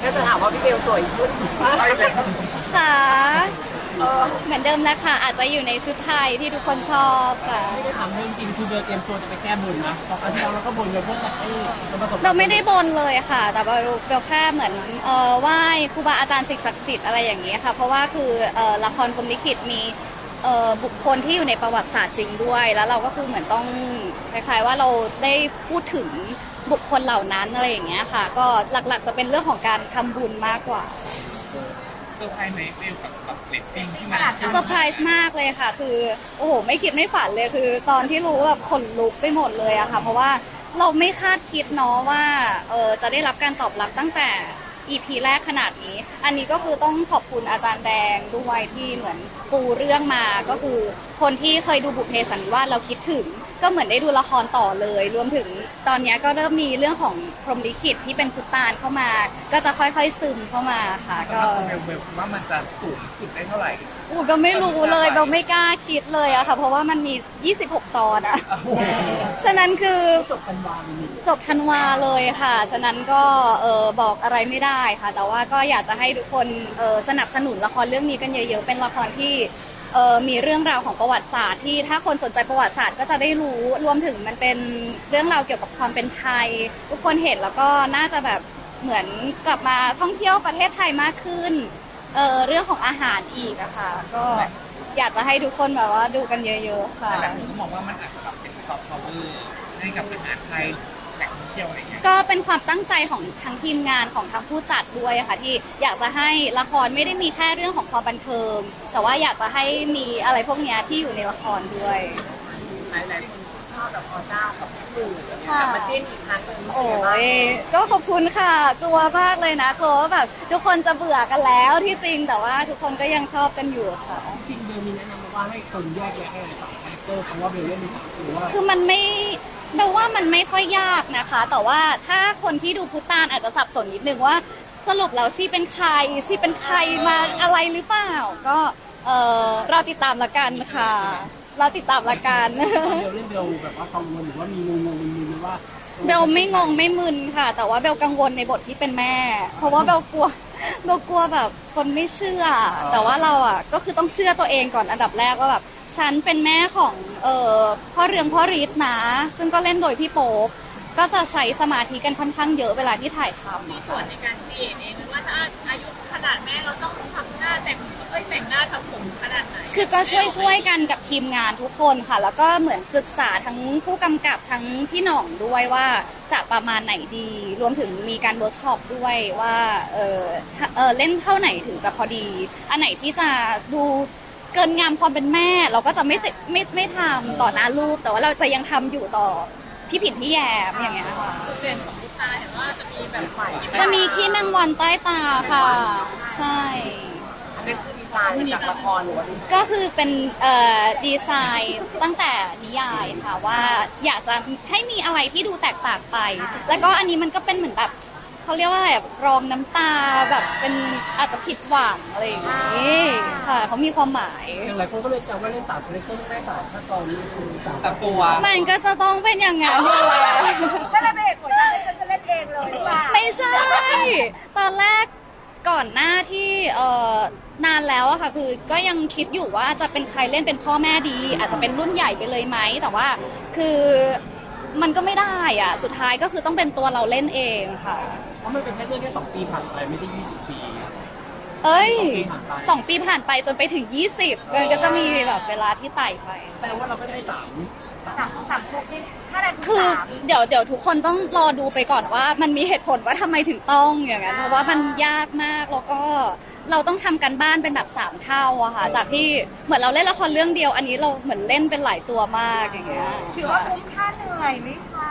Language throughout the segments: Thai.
ก็จะถามว่าพี่เบลสวยขึ้นค่ะเหมือนเดิมแล้วค่ะอาจจะอยู่ในชุดไทยที่ทุกคนชอบค่ะไม่ได้ถามเรื่องจริงคือเบลเตรียมตัวจะไปแก้บนนะพอครั้งที่แล้วเราก็บนเลยพวกแบบมันประสบเราไม่ได้บนเลยค่ะแต่เราแค่เหมือนไหว้ครูบาอาจารย์สิ่งศักดิ์สิทธิ์อะไรอย่างนี้ค่ะเพราะว่าคือละครพรหมลิขิตมีบุคคลที่อยู่ในประวัติศาสตร์จริงด้วยแล้วเราก็คือเหมือนต้องคล้ายๆว่าเราได้พูดถึงบุคคลเหล่านั้นอะไรอย่างเงี้ยค่ะก็หลักๆจะเป็นเรื่องของการทำบุญมากกว่าเซอร์ไพรส์ไหมเบลกับเรตติ้งที่มันเซอร์ไพรส์มากเลยค่ะคือโอ้โหไม่คิดไม่ฝันเลยคือตอนที่รู้แบบขนลุกไปหมดเลยอะค่ะเพราะว่าเราไม่คาดคิดเนาะว่าจะได้รับการตอบรับตั้งแต่ EP แรกขนาดนี้อันนี้ก็คือต้องขอบคุณอาจารย์แดงด้วยที่เหมือนปูเรื่องมาก็คือคนที่เคยดูบุพเพสันนิวาสเราคิดถึงก็เหมือนได้ดูละครต่อเลยรวมถึงตอนนี้ก็เริ่มมีเรื่องของพรหมลิขิตที่เป็นพุตตานเข้ามาก็จะค่อยๆซึมเข้ามาค่ะก็เบลว่ามันจะสูงสุดได้เท่าไหร่ก็ไม่รู้เลยเราไม่กล้าคิดเลยอะค่ะเพราะว่ามันมี26ตอนอะฉะนั้นคือจบธันวาเลยค่ะฉะนั้นก็บอกอะไรไม่ได้ค่ะแต่ว่าก็อยากจะให้ทุกคนสนับสนุนละครเรื่องนี้กันเยอะๆเป็นละครที่มีเรื่องราวของประวัติศาสตร์ที่ถ้าคนสนใจประวัติศาสตร์ก็จะได้รู้รวมถึงมันเป็นเรื่องราวเกี่ยวกับความเป็นไทยทุกคนเห็นแล้วก็น่าจะแบบเหมือนกลับมาท่องเที่ยวประเทศไทยมากขึ้นเรื่องของอาหารอีกอะค่ะก็อยากจะให้ทุกคนแบบว่าดูกันเยอะๆค่ะแต่แบบนี้ก็มองว่ามันอาจจะแบบเป็นซอฟต์พาวเวอร์ให้กับอาหารไทยแหล่งท่องเที่ยวอะไรเงี้ยก็เป็นความตั้งใจของทั้งทีมงานของทั้งผู้จัดด้วยค่ะที่อยากจะให้ละครไม่ได้มีแค่เรื่องของความบันเทิงแต่ว่าอยากจะให้มีอะไรพวกนี้ที่อยู่ในละครด้วยหลายๆคนชอบแบบออเจ้ากับพี่หมื่นแบบมาจิ้นอีกครั้งหนึ่งโอ้ยก็ขอบคุณค่ะกลัวมากเลยนะกลัวว่าแบบทุกคนจะเบื่อกันแล้วที่จริงแต่ว่าทุกคนก็ยังชอบกันอยู่ค่ะจริงเบลมีแนะนำว่าให้คนแยกแยะให้สามคาแรคเตอร์เพราะว่าเบลเล่นมีสามตัวว่าคือมันไม่เบลว่ามันไม่ค่อยยากนะคะแต่ว่าถ้าคนที่ดูพุตานอาจจะสับสนนิดนึงว่าสรุปแล้วชีเป็นใครมาอะไรหรือเปล่าก็เราติดตามละกันค่ะเราติดตามละกันเบลเล่นเบลแบบว่ากังวลหรือว่ามีงงมึนหรือว่าเบลไม่งงไม่มึนค่ะแต่ว่าเบลกังวลในบทที่เป็นแม่เพราะว่าเบลกลัวแบบคนไม่เชื่อแต่ว่าเราอ่ะก็คือต้องเชื่อตัวเองก่อนอันดับแรกว่าแบบฉันเป็นแม่ของพ่อเรืองพ่อฤทธิ์นะซึ่งก็เล่นโดยพี่โป๊ปก็จะใช้สมาธิกันค่อนข้างเยอะเวลาที่ถ่ายทำมีส่วนในการเองหรือว่าถ้าอายุขนาดแม่เราต้องทำหน้าแต่งหน้าทำผมขนาดไหนคือก็ช่วยกันกับทีมงานทุกคนค่ะแล้วก็เหมือนปรึกษาทั้งผู้กำกับทั้งพี่หน่องด้วยว่าจะประมาณไหนดีรวมถึงมีการเวิร์กช็อปด้วยว่าเล่นเท่าไหนถึงจะพอดีอันไหนที่จะดูเกินงามความเป็นแม่เราก็จะไม่ทำต่อหน้าลูกแต่ว่าเราจะยังทำอยู่ต่อพี่ผิดพี่แยมอย่างเงี้ยค่ะจุดเด่นของลูกตาเห็นว่าจะมีแบบไฟจะมีขี้แมงวันใต้ตาค่ะใช่อันนี้คือดีไซน์จากละครหรือว่าก็คือเป็นดีไซน์ตั้งแต่นิยายค่ะว่าอยากจะให้มีอะไรที่ดูแตกต่างไปแล้วก็อันนี้มันก็เป็นเหมือนแบบเขาเรียกว่าอะไรรองน้ำตาแบบเป็นอาจจะผิดหวังอะไรอย่างนี้ค่ะเขามีความหมายอย่างไรคนก็เลยจำว่าเล่นสามคาแรคเตอร์ได้สามขั้นตอนนี้คือสามตัวมันก็จะต้องเป็นอย่างนั้นอยู่แล้วก็เลยเป็นเหตุผลที่จะเล่นเองเลยว่าไม่ใช่ตอนแรกก่อนหน้าที่นานแล้วอะค่ะคือก็ยังคิดอยู่ว่าจะเป็นใครเล่นเป็นพ่อแม่ดีอาจจะเป็นรุ่นใหญ่ไปเลยไหมแต่ว่าคือมันก็ไม่ได้อะสุดท้ายก็คือต้องเป็นตัวเราเล่นเองค่ะเพราะมันเป็นแค่เรื่องแค่2 ปีผ่านไปไม่ได้20 ปีเอ้ย2 ปีผ่านไปจนไปถึง20มันก็จะมีแบบเวลาที่ไต่ไปแสดงว่าเราก็ได้3 ชุดที่ถ้าได้คือเดี๋ยวทุกคนต้องรอดูไปก่อนว่ามันมีเหตุผลว่าทำไมถึงต้องอย่างนั้นเพราะว่ามันยากมากแล้วก็เราต้องทำกันบ้านเป็นแบบ3 เท่าอะค่ะจากที่เหมือนเราเล่นละครเรื่องเดียวอันนี้เราเหมือนเล่นเป็นหลายตัวมากอย่างเงี้ยถือว่าคุ้มค่าเหนื่อยไหมคะ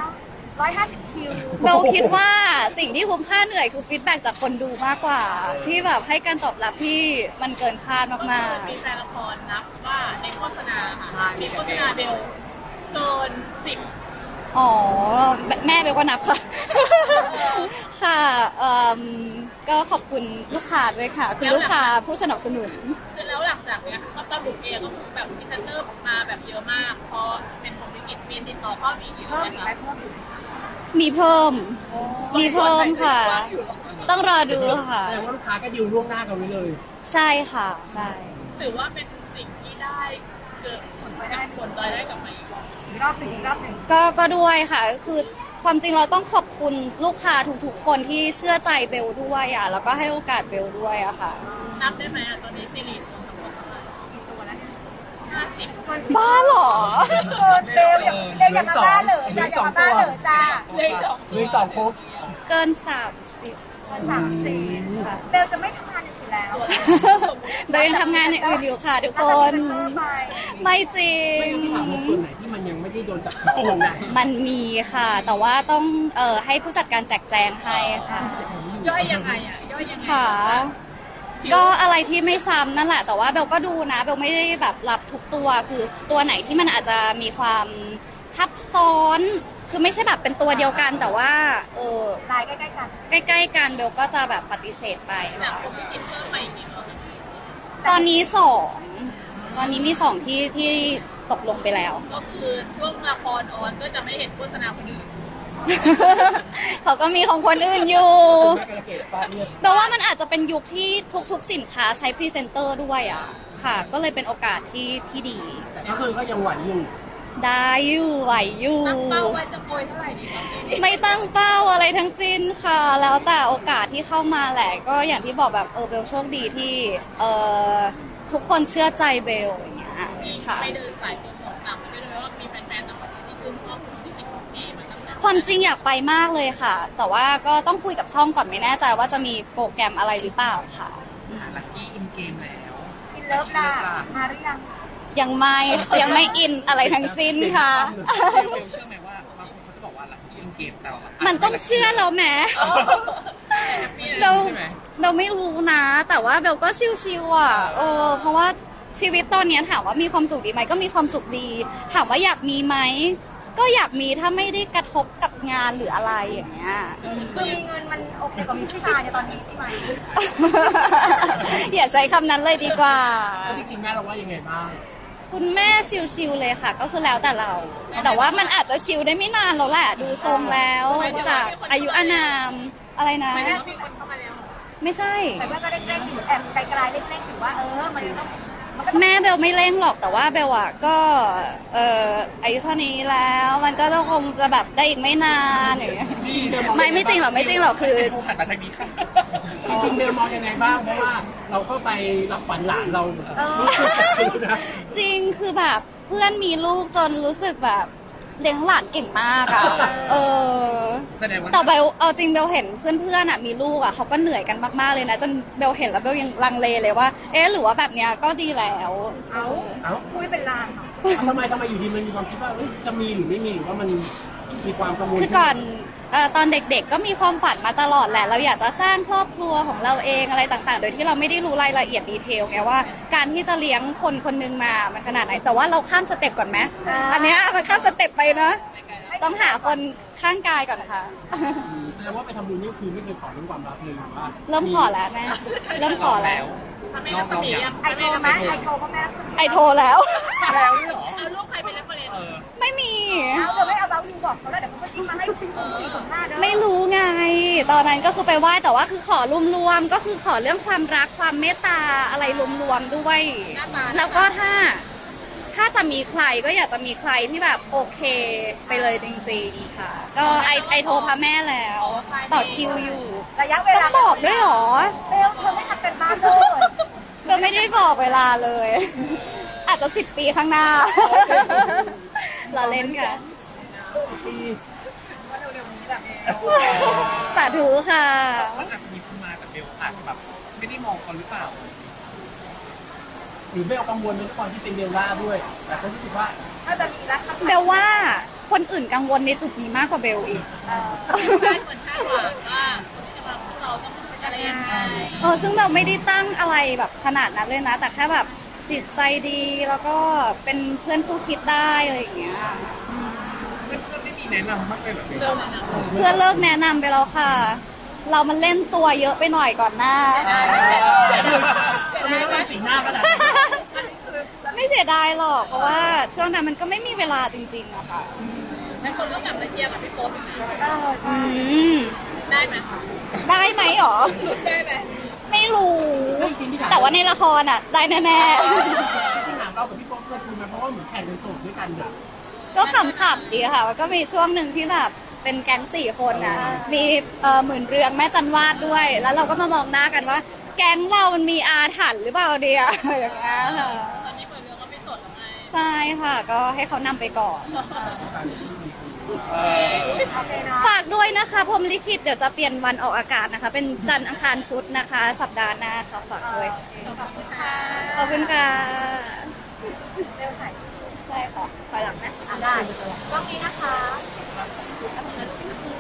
150 คิวเราคิดว่าสิ่งที่คุ้มค่าเหนื่อยคือฟีดแบ็กจากคนดูมากกว่าที่แบบให้การตอบรับที่มันเกินคาดมากๆมีแฟนละครนับว่าในโฆษณาค่ะมีโฆษณาเบลเกิน10 อ๋อแม่เบลก็นับค่ะค่ะก็ขอบคุณลูกค้าด้วยค่ะคือลูกค้าผู้สนับสนุนคือแล้วหลังจากเนี้ยก็ตอนบุกเองก็คือแบบพรีเซนเตอร์มาแบบเยอะมากพอเป็นผมวิกฤตมีติดต่อเข้าอีกเยอะไหมคะมีเพิ่มค่ะต้องรอดูค่ะแสดงว่าลูกค้าก็ดิวล่วงหน้ากันไว้เลยใช่ค่ะใช่ถือว่าเป็นสิ่งที่ได้เกิดผลรายได้กลับมาอีกรอบหนึ่งอีกรอบหนึ่งก็ด้วยค่ะคือความจริงเราต้องขอบคุณลูกค้าทุกๆคนที่เชื่อใจเบลด้วยอ่ะแล้วก็ให้โอกาสเบลด้วยอะค่ะนับได้ไหมตอนนี้ซีรีส์รวมทั้งหมดเท่าไหร่กี่ตัวแล้วเนี่ย 50 บ้าเหรอเกินเร็วอย่าเร็วอย่ามาบ้าเหรอจ้าอย่ามาบ้าเหรอจ้าเลยสองเลยสองครบเกิน30 30ค่ะเบลจะไม่ทำงานอย่างอื่นแล้วเบลยังทำงานอย่างอื่นอยู่ค่ะทุกคน ไม่จริงไม่ต้องถามว่าส่วนไหนที่มันยังไม่ได้โดนจับโกงนะมันมีค่ะ แต่ว่าต้องให้ผู้จัดการแจกแจงให้ค่ะย่อยยังไงอ่ะย่อยยังไงค่ะ ก็อะไรที่ไม่ซ้ำนั่นแหละ แต่ว่าเบลก็ดูนะเบลไม่ได้แบบรับทุกตัวคือตัวไหนที่มันอาจจะมีความทับซ้อน คือไม่ใช่แบบเป็นตัวเดียวกัน แต่ว่าลายใกล้ๆกันใกล้ๆกันเบลก็จะแบบปฏิเสธไปแต่ค่ะผมที่คิดเพิ่มมาอีกนิดนึงตอนนี้2ตอนนี้มี2ที่ตกลงไปแล้วก็คือช่วงละครออนก็จะไม่เห็นโฆษณาคนอื่นเขาก็มีของคนอื่นอยู่แม่กระเกดป้าเนี่ยแปลว่ามันอาจจะเป็นยุคที่ทุกๆสินค้าใช้พรีเซนเตอร์ด้วยอ่ะค่ะ ก็เลยเป็นโอกาสที่ดีแต่ก็คือก็ยังไหวอยู่ได้อยู่ไหวอยู่ตั้งเป้าไว้จะโกยเท่าไหร่ดีครับปีนี้ไม่ตั้งเป้าอะไรทั้งสิ้นค่ะ แล้วแต่โอกาสที่เข้ามาแหละ ก็อย่างที่บอกแบบเบลโชคดีที่ทุกคนเชื่อใจเบลอย่างเงี้ยมีค่ะไปเดินสายโปรโมทต่างประเทศด้วยว่ามีแฟนๆต่างประเทศที่ชื่นชอบคุณที่คิดของพี่มาตั้งนานความจริงอยากไปมากเลยค่ะ แต่ว่าก็ต้องคุยกับช่องก่อนไม่แน่ใจว่าจะมีโปรแกรมอะไรหรือเปล่าค่ะลักกี้อินเกมแล้วอินเลิฟล่ะมาหรือยังยังไม่อินอะไรทั้งสิ้นค่ะเบลเชื่อไหมว่าบางคนเขาจะบอกว่าลักกี้อินเกมแต่เรามันต้องเชื่อเราแหมเราเราไม่รู้นะ แต่ว่าเบลก็ชิวๆอ่ะเพราะว่าชีวิตตอนเนี้ยถามว่ามีความสุขดีไหมก็มีความสุขดี ถามว่าอยากมีไหมก็อยากมีถ้าไม่ได้กระทบกับงานหรืออะไรอย่างเงี้ยคือมีเงินมันโอเคกว่ามีผู้ชายในตอนนี้ใช่ไหมอย่าใช้คำนั้นเลยดีกว่าแล้วจริงๆแม่เราว่ายังไงบ้างคุณแม่ชิวๆเลยค่ะ ก็คือแล้วแต่เรา แต่ว่ามันอาจจะชิวได้ไม่นานแล้วแหละ ดูทรงแล้วจากอายุอานามอะไรนะไม่ได้มีคนเข้ามาแล้วไม่ใช่แต่ว่าก็เร่งๆอยู่แอบไกลๆเร่งๆอยู่ว่ามันต้องมันก็ต้องแม่เบลไม่เร่งหรอกแต่ว่าเบลอะก็อายุเท่านี้แล้วมันก็ต้องคงจะแบบได้อีกไม่นานอย่างเงี้ยไม่จริงหรอกไม่จริงหรอกคือหันมาทางนี้ค่ะจริงๆเบลมองยังไงบ้างเพราะว่าเราเข้าไปรับขวัญหลานเรารู้สึกนะจริงคือแบบเพื่อนมีลูกจนรู้สึกแบบเลี้ยงหลานเก่งมากอะแสดงว่าแต่เบลเอาจริงเบลเห็นเพื่อนๆอะมีลูกอะเขาก็เหนื่อยกันมากๆเลยนะจนเบลเห็นแล้วเบลยังลังเลเลยว่าหรือว่าแบบเนี้ยก็ดีแล้วเอ้าคุยเป็นลางเหรอทำไมอยู่ดีมันมีความคิดว่าจะมีหรือไม่มีหรือว่ามันมีความกังวลคือก่อนตอนเด็กๆก็มีความฝันมาตลอดแหละ เราอยากจะสร้างครอบครัวของเราเองอะไรต่างๆ โดยที่เราไม่ได้รู้รายละเอียดดีเทลไงว่า การที่จะเลี้ยงคนคนหนึงมามันขนาดไหน แต่ว่าเราข้ามสเต็ปก่อนไหมอันเนี้ยมันข้ามสเต็ปไปนะต้องหาคนข้างกายก่อนค่ะแสดงว่าไปทำบุญนี่คือไม่เคยขอเรื่องความรักเลยหรือว่าเริ่มขอแล้วแม่เริ่มขอแล้วถ้าไม่รักษมียังไอโทรไหมไอโทรพ่อแม่รักษมีไอโทรแล้วแล้วด้วยเหรอเอาลูกใครเป็นเรฟเฟอเรนซ์ไม่มีเอาเดี๋ยวไม่เอาเบาอยู่บอกเขาแล้วเดี๋ยวเขาก็จิ้มมาให้405เด้อไม่รู้ไง ตอนนั้นก็คือไปไหว้แต่ว่าคือขอรวมๆก็คือขอเรื่องความรักความเมตตาอะไรรวมๆด้วย แล้วก็ถ้าจะมีใครก็อยากจะมีใครที่แบบโอเคไปเลยจริงๆค่ะ ก็ไอโทรพระแม่แล้ว ต่อคิวอยู่ระยะเวลาต้องบอกด้วยเหรอเบลเธอไม่ทำกันบ้านเลยก็ไม่ได้บอกเวลาเลย อาจจะ10 ปีข้างหน้า เราเล่นค่ะ สาธุค่ะมันอาจจะมีคนมาแต่เบลอาจจะแบบไม่ได้มองเขาหรือเปล่าหรือเบลกังวลในความที่เป็นเบลล่าด้วย แต่ก็รู้สึกว่าถ้าจะมีรักเบลว่าคนอื่นกังวลในจุดนี้มากกว่าเบลอีกเหมือนคาดหวังว่าคนที่จะมาพวกเราต้องเป็นอะไรยังไงซึ่งเบลไม่ได้ตั้งอะไรแบบขนาดนั้นเลยนะ แต่แค่แบบจิตใจดีแล้วก็เป็นเพื่อนคู่คิดได้อะไรอย่างเงี้ยเพื่อนๆไม่มีแนะนำบ้างเลยแบบนี้เพื่อนเลิกแนะนำไปแล้วค่ะ เรามันเล่นตัวเยอะไปหน่อยก่อนหน้าทำไมต้องเป็นสีหน้าขนาดนี้ไม่เสียดายหรอก เพราะว่าช่วงนั้นมันก็ไม่มีเวลาจริงๆอะค่ะในคนก็กลับมาเชียร์กับพี่โป๊ปอีกนะอืมได้ไหมได้ไหมหรอได้ไหมไม่รู้ แต่ว่าในละครอ่ะ ได้แน่ที่ถามเรากับพี่โป๊ปเคยคุยมาเพราะว่าเหมือนแข่งเป็นโสดด้วยกันเนี่ยๆ ก็ขำๆดีค่ะแล้วก็มีช่วงหนึ่งที่แบบเป็นแก๊ง4 คนอ่ะ มีหมื่นเรืองแม่จันวาดด้วย แล้วเราก็มามองหน้ากันว่า แก๊งเรามันมีอาถรรพ์หรือเปล่าเดียอย่างเงี้ยค่ะตอนนี้เปิดเรื่องก็ไม่สดแล้วไงใช่ค่ะ ก็ให้เขานำไปก่อน ฝากด้วยนะคะพรหมลิขิตเดี๋ยวจะเปลี่ยนวันออกอากาศนะคะ เป็นจันทร์อังคารพุธนะคะ สัปดาห์หน้าค่ะฝากด้วย ขอบคุณค่ะใช่ค่ะถอยหลังไหมได้กล้องนี้นะคะอื